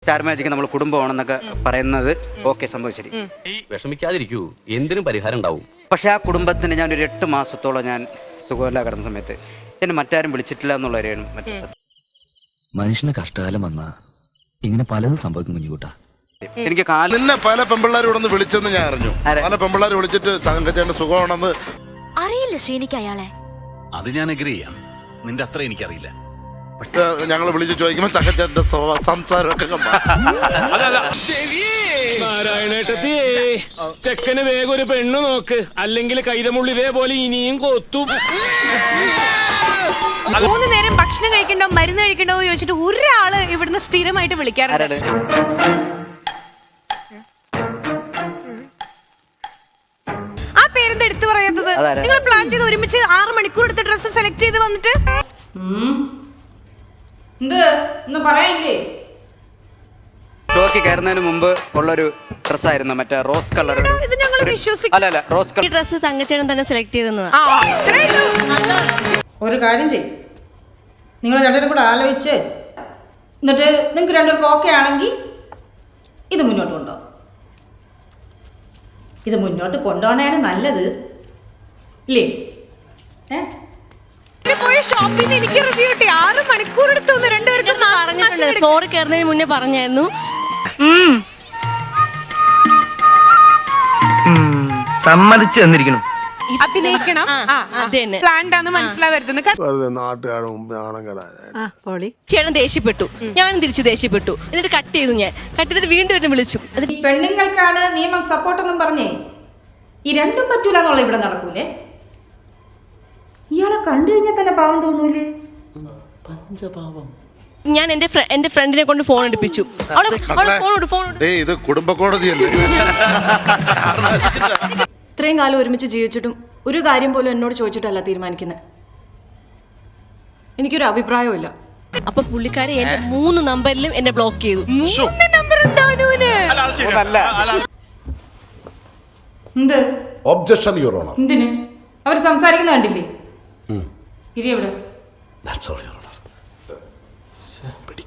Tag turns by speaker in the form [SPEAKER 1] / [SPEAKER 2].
[SPEAKER 1] Star magic നമ്മൾ കുടുംബമാണെന്നൊക്കെ പറയുന്നത് okay, സംഭവം ശരി.
[SPEAKER 2] വിഷമിക്കാതിരിക്കൂ, എന്തിനും പരിഹാരം ഉണ്ടാവും.
[SPEAKER 1] പക്ഷെ ആ കുടുംബത്തിന് ഞാനൊരു 8 മാസത്തോളം ഞാൻ സുഖമില്ല കിടന്ന സമയത്ത് എന്നെ മറ്റാരും വിളിച്ചിട്ടില്ല എന്നുള്ളവരെയാണ് മറ്റു സത്യം.
[SPEAKER 3] മനുഷ്യന് കഷ്ടകാലം വന്നാ ഇങ്ങനെ പലതും സംഭവിക്കും കുഞ്ഞുകൂട്ടാ.
[SPEAKER 1] എനിക്ക്
[SPEAKER 4] നിന്നെ പല പെമ്പിള്ളാരും ഇവിടെ വിളിച്ചെന്ന് ഞാൻ അറിഞ്ഞു. പല പെമ്പിള്ളാർ വിളിച്ചിട്ട് തങ്കച്ചേട്ടൻ സുഖമാണെന്ന്
[SPEAKER 5] അറിയില്ല ശ്രീനിക്ക് അയാളെ.
[SPEAKER 6] അത് ഞാൻ അഗ്രി ചെയ്യാം, നിന്റെ അത്ര എനിക്കറിയില്ല.
[SPEAKER 4] ഞങ്ങൾ വിളിച്ച് ചോദിക്കുമ്പോ തങ്കച്ചേട്ടന്റെ സംസാരമൊക്കെ
[SPEAKER 7] ചെക്കന് വേഗം ഒരു പെണ്ണ് നോക്ക്, അല്ലെങ്കിൽ കൈതമുള്ളി ഇതേപോലെ ഇനിയും കൊത്തും.
[SPEAKER 8] 3 നേരം ഭക്ഷണം കഴിക്കണ്ടോ മരുന്ന് കഴിക്കണ്ടോ ചോദിച്ചിട്ട് ഒരാള് ഇവിടുന്ന് സ്ഥിരമായിട്ട് വിളിക്കാറുണ്ട്. ആ പേരെന്താ എടുത്തു പറയാത്തത്? നിങ്ങൾ പ്ലാൻ ചെയ്ത് ഒരുമിച്ച് 6 മണിക്കൂർ എടുത്ത് ഡ്രസ്സ് സെലക്ട് ചെയ്ത് വന്നിട്ട്
[SPEAKER 9] പറയില്ലേ?
[SPEAKER 1] ഷോക്ക് കയറുന്നതിന് മുമ്പ് ഉള്ളൊരു ഡ്രസ്സായിരുന്നു, മറ്റേ റോസ് കളർ.
[SPEAKER 8] ഇത് ഞങ്ങൾ വിശ്വസിക്കും.
[SPEAKER 1] അല്ല, റോസ് കളർ
[SPEAKER 5] ഡ്രസ്സ് തങ്കച്ചേട്ടൻ തന്നെ സെലക്ട് ചെയ്തെന്നതാ.
[SPEAKER 9] ഒരു കാര്യം ചെയ്യും, നിങ്ങൾ രണ്ടുപേരും കൂടെ ആലോചിച്ച് എന്നിട്ട് നിങ്ങൾക്ക് രണ്ടുപേർക്കും ഓക്കെ ആണെങ്കിൽ ഇത് മുന്നോട്ട് കൊണ്ടുപോകും. ഇത് മുന്നോട്ട് കൊണ്ടുപോകണതാണ് നല്ലത്, ഇല്ലേ?
[SPEAKER 8] പോയ ഷോപ്പിൽ നിന്ന് എനിക്ക് റിവ്യൂ കിട്ടി. 6 മണിക്കൂർ എടുത്തു രണ്ടുപേർക്കും.
[SPEAKER 5] പറഞ്ഞിട്ടുണ്ട്, ഫ്ലോറിൽ കയറുന്നതിന് മുന്നേ പറഞ്ഞായിരുന്നു.
[SPEAKER 7] സമ്മതിച്ചു തന്നിരിക്കണം,
[SPEAKER 8] അഭിനയിക്കണം, പ്ലാൻഡാന്ന് മനസ്സിലാവരുതെന്ന്.
[SPEAKER 5] ചേട്ടൻ ദേഷ്യപ്പെട്ടു, ഞാനും തിരിച്ച് ദേഷ്യപ്പെട്ടു. എന്നിട്ട് കട്ട് ചെയ്തു. ഞാൻ കട്ട് ചെയ്തിട്ട് വീണ്ടും എന്നെ വിളിച്ചു.
[SPEAKER 9] ഈ പെണ്ണുങ്ങൾക്കാണ് നിയമം സപ്പോർട്ടെന്നും പറഞ്ഞേ ഈ രണ്ടും പറ്റൂല എന്നുള്ള ഇവിടെ നടക്കൂലേ? ഇയാളെ കണ്ടു കഴിഞ്ഞാൽ തന്നെ പാവം തോന്നൂലേ?
[SPEAKER 5] ഞാൻ എന്റെ ഫ്രണ്ടിനെ കൊണ്ട് ഫോൺ എടുപ്പിച്ചു.
[SPEAKER 4] ഇത് കുടുംബ കോടതിയല്ലേ?
[SPEAKER 5] ഇത്രയും കാലം ഒരുമിച്ച് ജീവിച്ചിട്ടും ഒരു കാര്യം പോലും എന്നോട് ചോദിച്ചിട്ടല്ല തീരുമാനിക്കുന്നത്. എനിക്കൊരു അഭിപ്രായമില്ല. അപ്പൊ പുള്ളിക്കാരെ എന്റെ 3 നമ്പറിലും എന്നെ ബ്ലോക്ക് ചെയ്തു.
[SPEAKER 4] Objection your honour.
[SPEAKER 9] എന്തിന്? അവർ സംസാരിക്കുന്ന കണ്ടില്ലേ? ഇരി എവിടെ?